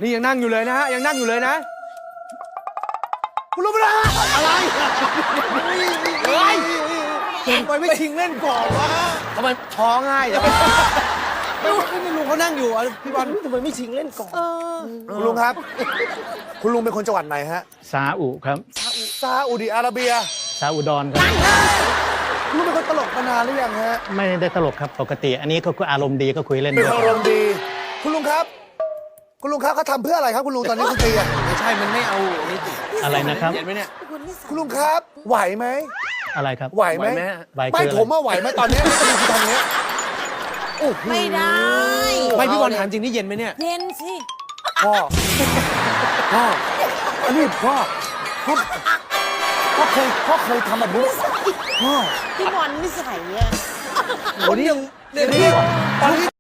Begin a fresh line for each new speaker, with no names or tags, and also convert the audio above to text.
นี่ยังนั่งอยู่เลยนะฮะยังนั่งอยู่เลยนะ
คุณรู้ไหมล่ะอะไรเฮ้ยทำไมไม่ชิงเล่นก่อนวะ
ทำไมท้องง่ายจัง
ไม่ลุงเขานั่งอยู่พี่บอลทำไมไม่ชิงเล่นก่อนคุณลุงครับ คุณลุงเป็นคนจังหวัดไหนฮะ
ซาอุครับ
ซาอุดิอาระเบีย
ซาอุดรครับ
คุณลุงเป็นคนตลกมานานหรือยังฮะ
ไม่ได้ตลกครับปกติ อันนี้ก็อารมณ์ดีก็คุยเล่น
เป็น
ด้วย
คนอารมณ์ดี คุณลุงครับ คุณลุงครับเขาทำเพื่ออะไรครับคุณลุงตอนนี้คุณตีอะ
ไม่ใช่มันไม่เอานี่ติ
อะไรนะครับ
เห็นไหมเนี่ย
คุณลุงครับ ไหวไหม
อะไรครับ
ไหวไหม
ไหวไหมฮะ
ไหว
ไม่
คืออะไร
ผมว่าไหวไหมตอนเนี้ยคุณทำเนี้ยโอ้โห
ไม่ได้
ไม่พี่บอลถามจริงนี่เย็นไหมเนี่ย
เย็นสิ
พ่อพ่ออันนี้พ่อเคยทำแบบนี้พ่อ
พี่บอลนิสัยอ่ะ
วันนี้ยังเดี๋ยวนี้ตอนนี้